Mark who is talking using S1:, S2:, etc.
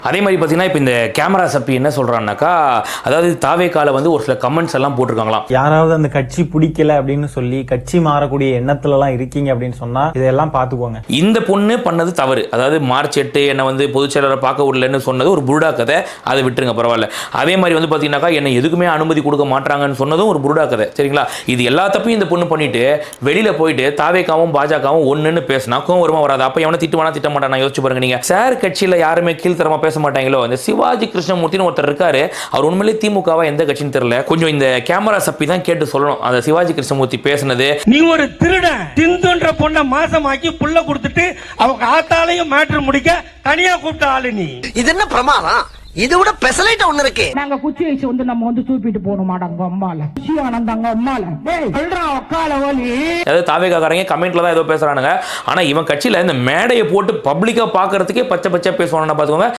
S1: அதே மாதிரி பார்த்தீங்கன்னா இப்போ இந்த கேமரா சப்பி என்ன சொல்கிறான்னாக்கா, அதாவது தாவேக்கால வந்து ஒரு சில கமெண்ட்ஸ் எல்லாம் போட்டிருக்காங்களாம்.
S2: யாராவது அந்த கட்சி பிடிக்கல அப்படின்னு சொல்லி கட்சி மாறக்கூடிய எண்ணத்துலலாம் இருக்கீங்க அப்படின்னு சொன்னா இதெல்லாம் பார்த்துக்கோங்க.
S1: இந்த பொண்ணு பண்ணது தவறு. அதாவது மார்ச் 8 என்னை வந்து பொதுச்செயலரை பார்க்க விடலன்னு சொன்னது ஒரு புருடா கதை, அதை விட்டுருங்க பரவாயில்ல. அதே மாதிரி வந்து பார்த்தீங்கன்னாக்கா என்னை எதுக்குமே அனுமதி கொடுக்க மாட்டாங்கன்னு சொன்னதும் ஒரு புருடா கதை, சரிங்களா? இது எல்லா தப்பையும் இந்த பொண்ணு பண்ணிட்டு வெளியில போயிட்டு தாவேக்காவும் பாஜகவும் ஒன்றுன்னு பேசினா கோவம் வருமா வராது? அப்போ எவனை திட்டுவானா திட்ட மாட்டானா? யோசிச்சு பாருங்க நீங்க. சார் கட்சியில் யாருமே கீழ்த்தரமா பேச மாட்டாங்களோ? இந்த சிவாஜி கிருஷ்ணமூர்த்தின்னு ஒருத்தர் இருக்காரு, அவர் உண்மையிலே திமுகவா எந்த கட்சின்னு தெரியல. கொஞ்சம் இந்த கேமரா சப்பி தான் கேட்டு சொல்லணும். அந்த சிவாஜி கிருஷ்ணமூர்த்தி பேசினது,
S3: நீ ஒரு திருடன், சிந்துன்ற பொண்ணை மாசமாக்கி புள்ள கொடுத்துட்டு அவங்க ஆத்தாலையும் மேட்டர் முடிக்க தனியா கூப்பிட்ட ஆளு நீ.
S4: இது என்ன பிரமாதம்? இது விட பெசலைட் ஒண்ணு இருக்கு.
S5: நாங்க குச்சி வச்சு வந்து நம்ம வந்து தூப்பிட்டு போக மாட்டாங்க அம்மால ஆனந்தாங்க அம்மால உக்கால ஓலி.
S1: அதாவது தாவேக்காரங்க கமெண்ட்ல தான் ஏதோ பேசுறானுங்க. ஆனா இவன் கட்சியில இந்த மேடையை போட்டு பப்ளிக்கா பாக்குறதுக்கே பச்சை பச்சை பேசுவானுன்னா பாத்துக்கோங்க.